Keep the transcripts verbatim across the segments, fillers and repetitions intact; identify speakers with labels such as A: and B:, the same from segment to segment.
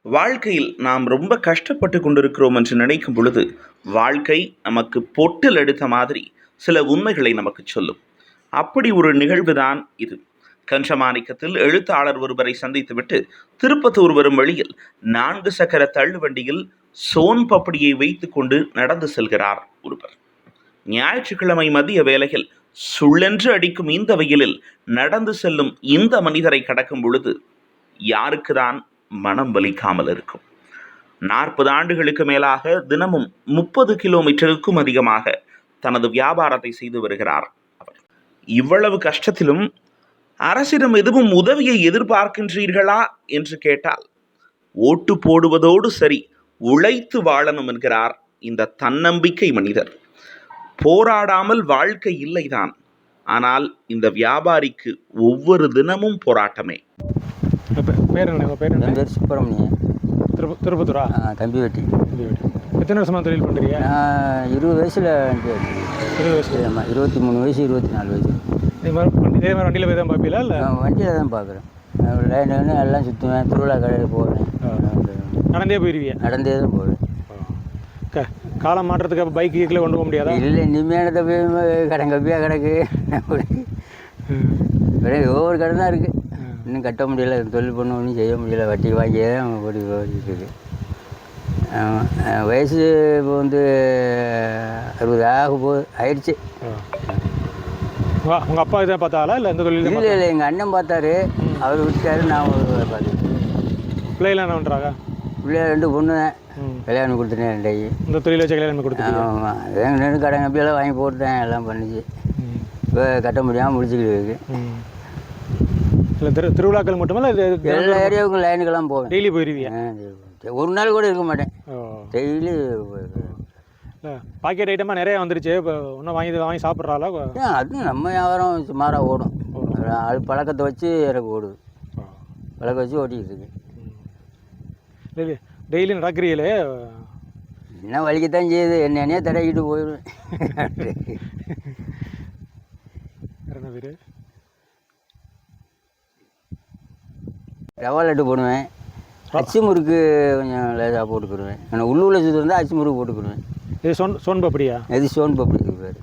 A: வாழ்க்கையில் நாம் ரொம்ப கஷ்டப்பட்டு கொண்டிருக்கிறோம் என்று நினைக்கும் பொழுது வாழ்க்கை நமக்கு பொட்டில் எடுத்த மாதிரி சில உண்மைகளை நமக்கு சொல்லும். அப்படி ஒரு நிகழ்வுதான் இது. கஞ்சமாணிக்கத்தில் எழுத்தாளர் ஒருவரை சந்தித்துவிட்டு திருப்பத்தூர் வரும் வழியில் நான்கு சக்கர தள்ளுவண்டியில் சோன் பப்படியை வைத்துக் கொண்டு நடந்து செல்கிறார் ஒருவர். ஞாயிற்றுக்கிழமை மதிய வேளையில் சுள்ளென்று அடிக்கும் இந்த வெயிலில் நடந்து செல்லும் இந்த மனிதரை கடக்கும் பொழுது யாருக்குதான் மனம் வலிக்காமல் இருக்கும்? நாற்பது ஆண்டுகளுக்கு மேலாக தினமும் முப்பது கிலோமீட்டருக்கும் அதிகமாக தனது வியாபாரத்தை செய்து வருகிறார் அவர். இவ்வளவு கஷ்டத்திலும் அரசிடம் எதுவும் உதவியை எதிர்பார்க்கின்றீர்களா என்று கேட்டால், ஓட்டு போடுவதோடு சரி, உழைத்து வாழணும் என்கிறார் இந்த தன்னம்பிக்கை மனிதர். போராடாமல் வாழ்க்கை இல்லைதான், ஆனால் இந்த வியாபாரிக்கு ஒவ்வொரு தினமும் போராட்டமே.
B: பேர் என்ன? பேர் என்ன?
C: என் பேர் சுப்பிரமணியன்.
B: திருப்ப திருப்பத்தூரா?
C: கம்பி வெட்டி.
B: கம்பி வெட்டி. எத்தனை வருஷமாக தொழில் பண்ணுறீங்க?
C: நான் இருபது வயசில் வண்டி வெட்டி.
B: இருபது வயசு?
C: ஆமாம், இருபத்தி மூணு வயசு இருபத்தி நாலு வயசு.
B: இதே மாதிரி இதே மாதிரி வண்டியில் போய் தான் பார்ப்பீங்களா? இல்லை
C: வண்டியில் தான் பார்க்குறேன். லைன் வேணும் எல்லாம் சுற்றுவேன், திருவிழா கடையில் போவேன்.
B: நடந்தே போயிடுவீங்க?
C: நடந்தே தான் போவேன்.
B: க காலம் மாற்றத்துக்கு அப்போ பைக் கீக்கில் கொண்டு போக முடியாதா?
C: இல்லை, இனிமேனத்தை போய் கடை கப்பியாக கிடக்கு. ஒவ்வொரு கடை தான் இருக்குது, இன்னும் கட்ட முடியல. தொழில் பண்ண ஒன்றும் செய்ய முடியல, வட்டி வாங்கியே தான் ஓடி ஓடிட்டு இருக்கு. வயசு இப்போ வந்து அறுபது ஆக போகுது, ஆயிடுச்சு.
B: உங்கள் அப்பா இதை பார்த்தாலா இல்லை எந்த தொழில்?
C: இல்லை இல்லை, எங்கள் அண்ணன் பார்த்தாரு, அவர் விட்டாரு, நான் பார்த்துட்டு.
B: பிள்ளைலாம் என்ன பண்ணுறாங்க?
C: பிள்ளைய ரெண்டு பொண்ணு தான், கல்யாணம் கொடுத்துட்டேன் ரெண்டைக்கு.
B: இந்த தொழில் வச்சு கல்யாணம் கொடுத்தேன்.
C: ஆமாம், எங்கள் ரெண்டு கடை கப்பியெல்லாம் வாங்கி போட்டேன், எல்லாம் பண்ணிச்சு. இப்போ கட்ட முடியாமல் முடிச்சுக்கிட்டு இருக்கு.
B: இல்லை திரு திருவிழாக்கள் மட்டுமே இல்லை,
C: எல்லா ஏரியாவுக்கும் லைனுக்கெல்லாம் போவேன்.
B: டெய்லி போயிருவீங்க?
C: ஒரு நாள் கூட இருக்க மாட்டேன், டெய்லி.
B: இல்லை பாக்கெட் ஐட்டமாக நிறையா வந்துருச்சு, இப்போ இன்னும் வாங்கி வாங்கி சாப்பிட்றாளா?
C: அதுவும் நம்ம வியாபாரம் சுமாராக ஓடும். அது பழக்கத்தை வச்சு எனக்கு ஓடுது, பழக்கம் வச்சு ஓட்டிக்கிட்டு இருக்கு.
B: இல்லை டெய்லி நடக்கிறீங்களே,
C: என்ன வலிக்கத்தான் செய்யுது, என்னென்னே தடவிக்கிட்டு போயிடுவேன்.
B: என்ன பேர்?
C: ரவா லட்டு போடுவேன், அச்சு முறுக்கு கொஞ்சம் லேசாக போட்டுக்கிடுவேன். ஆனால் உள்ளூரில் சுற்றி இருந்தால் அச்சு முறுக்கு போட்டுக்கிடுவேன்.
B: இது சோன் சோன் பப்படியா?
C: இது சோன் பப்படி பேர்.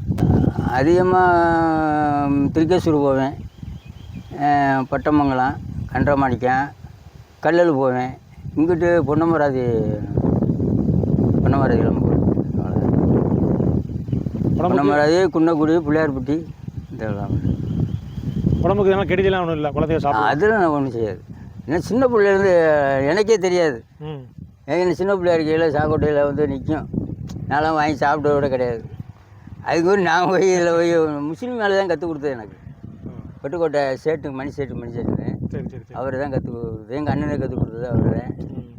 C: அதிகமாக திருக்கேசூர் போவேன், பட்டமங்கலம், கன்றமாணிக்கம், கல்லல் போவேன். இங்கிட்டு பொன்னமராதி பொன்னமராதிலாம் போவேன். பொன்னமராதி, குன்னக்குடி, பிள்ளையார்பட்டி, இதெல்லாம்.
B: உடம்புக்கு இதெல்லாம் கெடுதலாம் ஒன்றும் இல்லை, குழந்தைய சாப்பிடும்?
C: அதெல்லாம் நான் ஒன்றும் செய்யாது. ஏன்னா சின்ன பிள்ளைலேருந்து எனக்கே தெரியாது. ஏன்னா சின்ன பிள்ளையா இருக்கையில் சாக்கோட்டையில் வந்து நிற்கும், நான்லாம் வாங்கி சாப்பிட்டத விட கிடையாது. அதுக்கு ஒரு நான் போய் இதில் போய் முஸ்லீம் மேலே தான் கற்றுக் கொடுத்தது எனக்கு. பட்டுக்கோட்டை சேட்டு மணி சேட்டு மணி சேட்டு
B: சரி சரி
C: அவர் தான் கற்றுக் கொடுத்தது. எங்கள் அண்ணனை கற்றுக் கொடுத்தது அவர் தான்.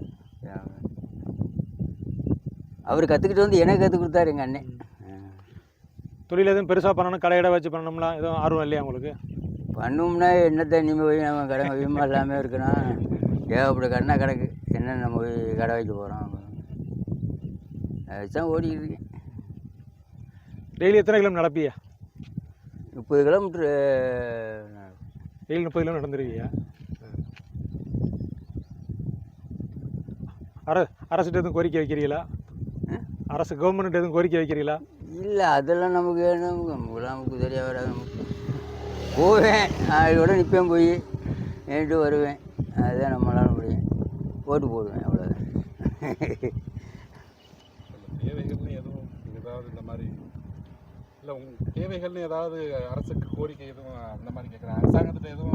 C: அவர் கற்றுக்கிட்டு வந்து எனக்கு கற்றுக் கொடுத்தாரு எங்கள் அண்ணன்.
B: தொழில் எதுவும் பெருசாக பண்ணணும், கடையிட வச்சு பண்ணணும்லாம் எதுவும் ஆர்வம் இல்லையா உங்களுக்கு?
C: பண்ணோம்னா என்னத்தை இனிமேல் போய் நம்ம கடை வைமா எல்லாமே இருக்கணும், ஏகப்பட்ட கடனா கிடக்கு, என்ன நம்ம போய் கடை வைக்க போகிறோம். அதுதான் ஓடிக்கிட்டு இருக்கேன்.
B: டெய்லி எத்தனை கிலோமீட்டர் நடப்பியா?
C: முப்பது கிலோமீட்ரு
B: டெய்லி முப்பது கிலோமீட்டர் நடந்துருவியா? அர அரசுகிட்ட எதுவும் கோரிக்கை வைக்கிறீங்களா? அரசு கவர்மெண்ட் எதுவும் கோரிக்கை வைக்கிறீங்களா?
C: இல்லை, அதெல்லாம் நமக்கு நமக்கு நமக்கு தெரியா வராது. நமக்கு போவேன், அதோட நிற்பேன், போய் நேரிட்டு வருவேன், அதுதான் நம்மளால முடியும். ஓட்டு போடுவேன், அவ்வளோதான்.
D: தேவைகள்னு எதுவும் ஏதாவது இந்த மாதிரி இல்லை, உங்கள் தேவைகள்னு ஏதாவது அரசுக்கு கோரிக்கை எதுவும் அந்த மாதிரி கேட்குறேன்? அரசாங்கத்தில் எதுவும்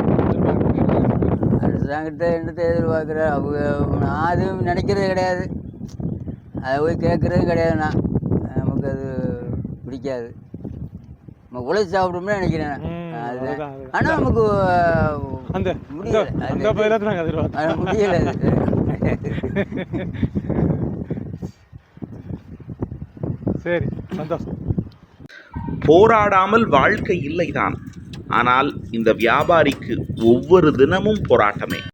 C: அரசாங்கத்தை என்னத்தை எதிர்பார்க்குற? அவங்க நான் அதுவும் நினைக்கிறதே கிடையாது, அதை போய் கேட்குறதும் கிடையாது. நான் நமக்கு அது பிடிக்காது. நம்ம உழைச்சி சாப்பிடும்னு நினைக்கிறேன் நான். அது ஆனால் நமக்கு
B: அந்த
C: முடியலை, முடியலை.
B: சரி, சந்தோஷம்.
A: போராடாமல் வாழ்க்கை இல்லைதான், ஆனால் இந்த வியாபாரிக்கு ஒவ்வொரு தினமும் போராட்டமே.